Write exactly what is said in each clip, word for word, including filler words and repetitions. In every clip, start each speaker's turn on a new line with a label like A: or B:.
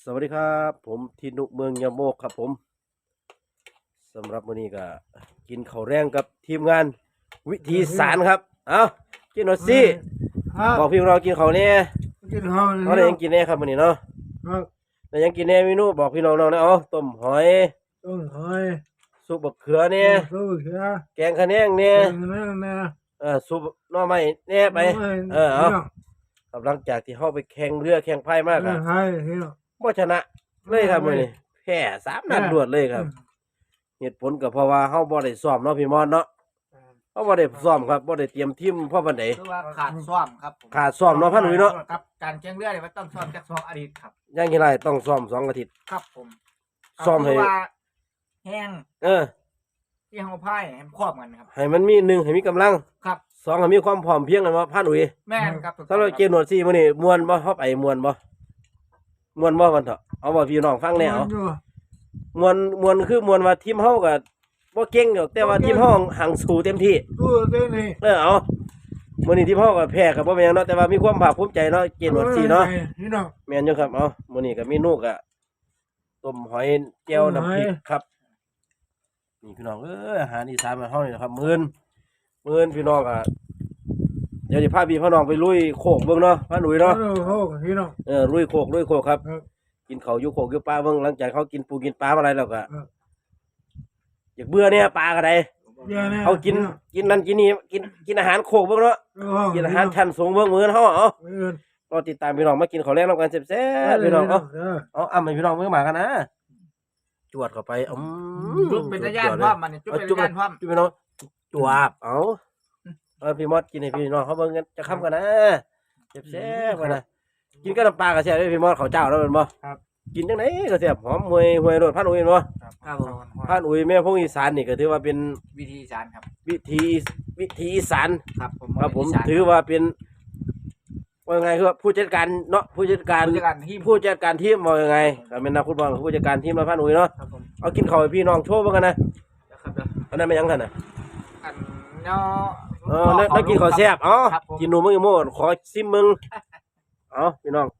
A: สวัสดีครับผมทินุเมืองยะโมกครับผมสำหรับวันนี้ก็กินข้าวแรงกับทีมงานวิธีสารครับเอากินหน่อยสิบอกพี่เรากินข้าวเนี่ย
B: กินข้าว
A: เขาได้ยังกินแน่ครับวันนี้เนาะได้ยังกินแน่เมนูบอกพี่น้องเราเนี่ยเอาต้มหอย
B: ต้มหอย
A: ซุปบักเขือเนี่ย
B: ซุปเขือ
A: แกงขะแนงเนี่ย
B: แกงขะแนงเนี่ย
A: เออซุปหน่อไม้เนี่ยไปเออเอาหลังจากที่เข้าไปแข่งเรือแข่งพายมากอะบ่ชนะเลยครับมื้อนี้แพ้สามนัดรวดเลยครับเหตุผลก็เพราะว่าเฮาบ่ได้ซ้อมเนาะพี่มอนเนาะเฮาบ่ได้ซ้อมครับบ่ได้เตรียมทีมพอปานใด
C: คือว่าขาดซ้อมครับ
A: ขาดซ้อมเนาะพันอุ้ยเนาะ
C: ครับการแข่งเรือเนี่ยมันต้องซ้อมจากสองอาทิตย์ครับ
A: อย่างที่ไรต้องซ้อมสองอาทิตย์
C: ครับผม
A: ซ้อมให้
C: แห้ง
A: เออ
C: ที่เฮาพ่ายให้ครอบกันครับ
A: ให้มันมีหนึ่งให้มีกำลัง
C: ครับ
A: สองให้มีความพร้อมเพียงกันว่าพันอุ้ย
C: แม่นครับ
A: สำหรับเกมหนวดซี่มื้อนี้ม่วนบ่เฮาไปม่วนบ่ม่วนบ่กันเถอะเอาบ่พี่น้องฟังแน่เอาม่วนม่วนคือม่วนว่าทีมเฮาก็บ่เก่งดอกแต่ว่าทีมเฮาหังสู้เต็มที่
B: สู้เต็มที่
A: เออเอามื้อนี้ทีมเฮาก็แพ้ก็บ่แม่นเนาะแต่ว่ามีความภาคภูมิใจเนาะเกมหนวดซี่เนาะแม่นอยู่ครับเอามื้อนี้ก็เมนูก็ต้มหอยแจ่วน้ำพริกครับนี่พี่น้องเอ้ยอาหารอีสานบ้านเฮานี่นะครับมื้อนมื้อนพี่น้องอ่ะเดี๋ยวสิพาพี่พ่อน้องไปลุยโคกเบิ่งเนาะพาหนุ่ยเนาะ
B: โคกพี่น้อง
A: เออลุยโคกลุยโคกครับกินข้าวอยู่โคกอยู่ปลาเบิ่งหลังจากเขากินปูกินปลาอะไรแล้วก็อยากเบื่อเนี่ยปลาก็ได้เขากินกินนั่นกินนี่กินกินอาหารโคกเบิ่งเนาะกินอาหารชั้นสูงเบิ่งมื้อเฮาเอารอติดตามพี่น้องมากินข้าวแลงนำกันแซ่บๆพี่น้องเอาเอาอ้ำให้พี่น้องเบิ่งมากันนะจวดเข้าไปอื
C: มจุ๊บเป็นตะย่านพร้อมมันจุ๊บเป็นตะย่านพร้อม
A: จุ๊บพี่น้องจวบเอาเออพี่มอดกินให้พี่น้องเขาเบิ่งกันจะค้ำกันนะแซ่บๆกันนะกินกับน้ำปลากระเทียมพี่มอดเขาเจ้าแล้วเป็นบ่
B: ครับ
A: กินจังไหนกระเทียมหอมหวยหวยรสพันอุ้ยบ่
C: ครับ
A: พันอุ้ยแม่พงอีสานนี่ก็ถือว่าเป็น
C: วิธีอีสานครับ
A: วิธีวิธีอีสาน
C: ครับผม
A: ครับผมถือว่าเป็นว่าไงคือผู้จัดการเนาะผู้จัดการผู้จัดการทีมว่ายังไงก็เป็นนักฟุตบอลผู้จัดการทีมเราพันอุ้ยเนาะเอากินข้าวให้พี่น้องโชว์เบิ่งกันนะอันนั้นไม่ยังท่านน่ะ
C: อันเนาะ
A: เออแล้วกินข้าวแซ่บอ๋อกินหนูมึงอีโม่ขอซิมมึงเอาพี่น้อง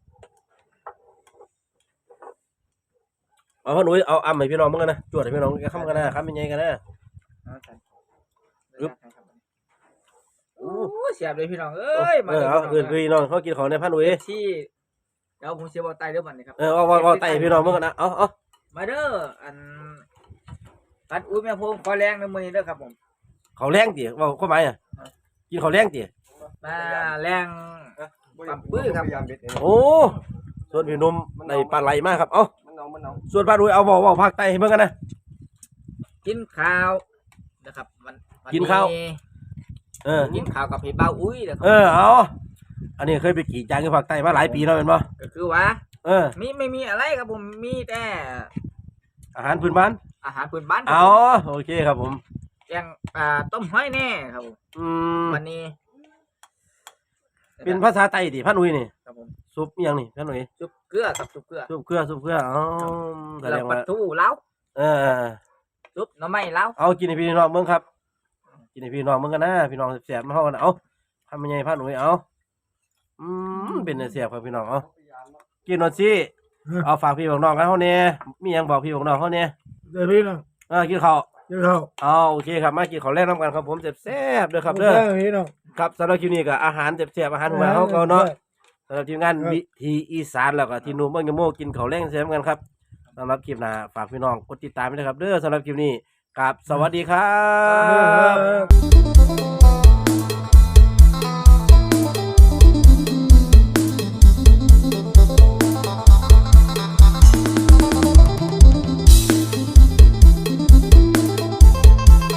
A: เอาพ่อหนุ่ยเอาอ่ำให้พี่น้องมึงกันนะจวดให้พี่น้องแกข้ามกันนะข้ามเป็นไงกันนะ
C: อึ๊บโอ้เสียบเลยพี่น้องเอ้ย
A: เออเอาเอื่นพี่น้องเขากินของในพ่อหนุ่ย
C: ที่เดี๋ยวผมเสียบอลไตเด้อบัดนี้ครับ
A: เออเอาเอาไตพี่น้องมึงกันนะเอาเอา
C: มาเด้ออันปัดอุ้ยแม่พงขอแรงในมือนี้เด้อครับผม
A: เขาแรงตีว่าข้อหมายอ่ะกินเขาแรงตี
C: มาแรงปั๊มปื้อครับ
A: โอ้ส่วนพี่นุ่มในปลาไหลมากครับเอาส่วนปลาดุยเอาบอกว่าภาคใต้ให้เมื่อกันนะ
C: กินข้าวนะครับมัน
A: กินข้าวเออ
C: กินข้าวกับพี่เบ้าอุ้ยนะครับ
A: เออเอาอันนี้เคยไปกี่จานที่ภาคใต้มาหลายปีแล้วเป็นป่ะ
C: ก็คือว่า
A: เออ
C: มีไม่มีอะไรครับผมมีแต่
A: อาหารพื้นบ้าน
C: อาหารพื้นบ้าน
A: อ๋อโอเคครับผม
C: แกงอ่าต้มหอยแน่ครับผม
A: อืม
C: วันนี้
A: เป็นภาษาไต้ดิพันอุ้ยนี่
C: ครับผม
A: ซุปยังนี่พันอุ้ย
C: ซุปเกลือครับซุปเกลือ
A: ซุปเกลือซุปเกลืออ๋อ
C: แสดงว่าปลาทูเล้า
A: เออ
C: ซุปหน่อไม้เล้า
A: เอากินให้พี่น้องเบิ่งครับกินให้พี่น้องเบิ่งกันนะพี่น้องแสบมาเฮากันเอาทำยังไงพันอุ้ยเอาอืมเป็นแสบครับพี่น้องเอากินหน่อยสิเอาฝากพี่บอกน้องกันเฮาเนี่ยมีหยังบอกพี่บอกน้องเฮาเนี่ย
B: เดี๋ยวพี่น้อง
A: เออกินข้าว
B: กินข้าว
A: อ๋อโอเคครับมากินข้าวแรกน้ำกันครับผมแซ่บๆเด้อครับเด้อครับสำหรับคลิปนี้ก็อาหารแซ่บๆอาหารมาเฮาเก่าเนาะสำหรับทีมงานวิธีอีสานแล้วก็ทีนุ่มเบิ่งยะโมกินข้าวแรงแซ่บกันครับสำหรับคลิปหน้าฝากพี่น้องกดติดตามด้วยครับเด้อสำหรับคลิปนี้ครับสวัสดีครับ